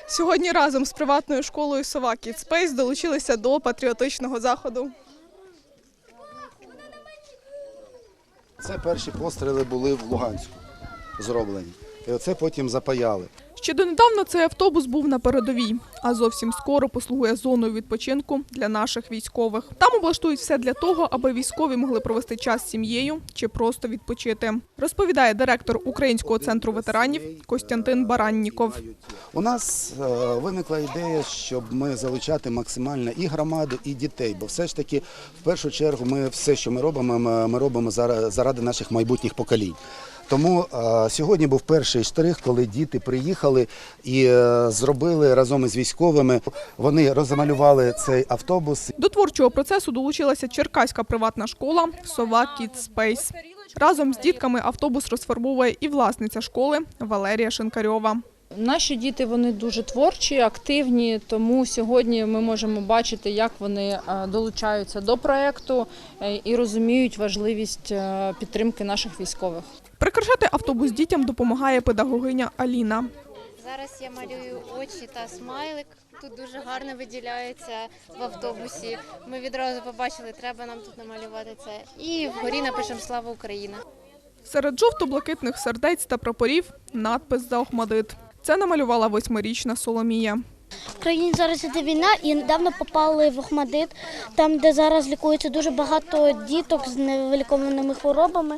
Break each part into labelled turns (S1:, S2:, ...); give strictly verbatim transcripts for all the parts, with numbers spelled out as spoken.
S1: Сьогодні разом з приватною школою «Сова Kids Space» долучилися до патріотичного заходу.
S2: Це перші постріли були в Луганську зроблені. І оце потім запаяли.
S1: Ще донедавна цей автобус був на передовій, а зовсім скоро послугує зоною відпочинку для наших військових. Там облаштують все для того, аби військові могли провести час з сім'єю чи просто відпочити, розповідає директор Українського центру ветеранів Костянтин Баранніков.
S2: У нас е, виникла ідея, щоб ми залучати максимально і громаду, і дітей. Бо все ж таки, в першу чергу, ми все, що ми робимо, ми робимо заради наших майбутніх поколінь. Тому е, сьогодні був перший штрих, коли діти приїхали і е, зробили разом із військовими, вони розмалювали цей автобус.
S1: До творчого процесу долучилася черкаська приватна школа «Сова Kids Space». Разом з дітками автобус розфарбовує і власниця школи Валерія Шинкарьова.
S3: Наші діти, вони дуже творчі, активні, тому сьогодні ми можемо бачити, як вони долучаються до проєкту і розуміють важливість підтримки наших військових.
S1: Прикрашати автобус дітям допомагає педагогиня Аліна.
S4: Зараз я малюю очі та смайлик. Тут дуже гарно виділяється в автобусі. Ми відразу побачили, треба нам тут намалювати це. І вгорі напишемо «Слава Україна».
S1: Серед жовто-блакитних сердець та прапорів надпис «За Охмадит». Це намалювала восьмирічна Соломія.
S5: В країні зараз іде війна і недавно попали в Охмадит, там, де зараз лікується дуже багато діток з невилікованими хворобами.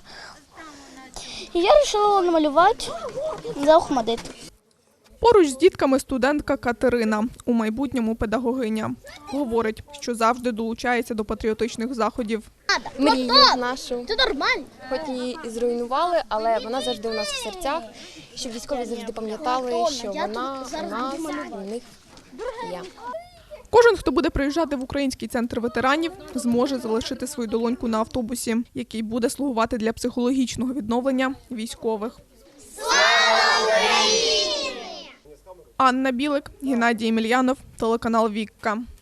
S5: І я вирішила намалювати за Охмадит.
S1: Поруч з дітками студентка Катерина, у майбутньому педагогиня. Говорить, що завжди долучається до патріотичних заходів.
S6: Мрію нашу,
S5: Це нормально.
S6: хоч її і зруйнували, але вона завжди у нас в серцях, щоб військові завжди пам'ятали, що вона у нас, у них є.
S1: Кожен, хто буде приїжджати в Український центр ветеранів, зможе залишити свою долоньку на автобусі, який буде слугувати для психологічного відновлення військових. Слава Україні! Анна Білик, Геннадій Емельянов, телеканал «Вікка».